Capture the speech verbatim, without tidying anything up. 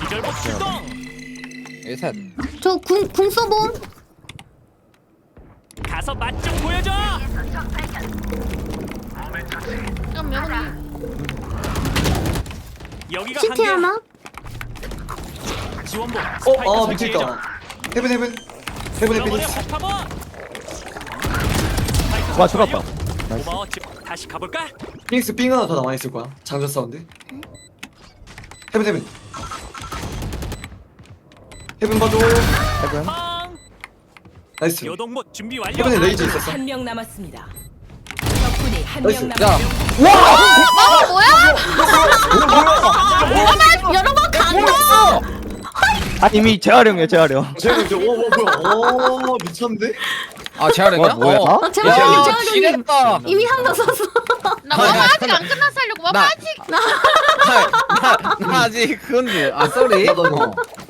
기절복 출동. 일셋. 저궁궁 써봄. 가서 맛 좀 보여줘. 그럼 여기 여기가 시티 한계야. 하나. 지원복. 어, 아 미쳤다. 헤븐 헤븐 헤븐 헤븐. 와 죽었다. 고마워. 집 다시 가볼까? 피닉스 삥 하나 더 남아 있을 거야. 장전 사운드. 헤븐 헤븐. 헤븐 봐줘. 해븐. 팡. 나이스. 요동못 준비 완료. 헤븐에 레이저 있었어. 한 명 남았습니다. 적군이 한 나이스. 명 야. 남았습니다. 여러 번 간다. 아 이미 재활용이야 재활용. 쟤는 저, 오, 오, 뭐야? 오, 미쳤는데? 아 재활용이야? 와, 뭐야? 어. 아, 재활용이, 야, 재활용이. 지렸다. 이미 한 번 썼어. 나 마마 아직 안 끝났어 하려고 마마 나- 아직 나, 나 아직 그건데. 아 쏘리. 나도 뭐.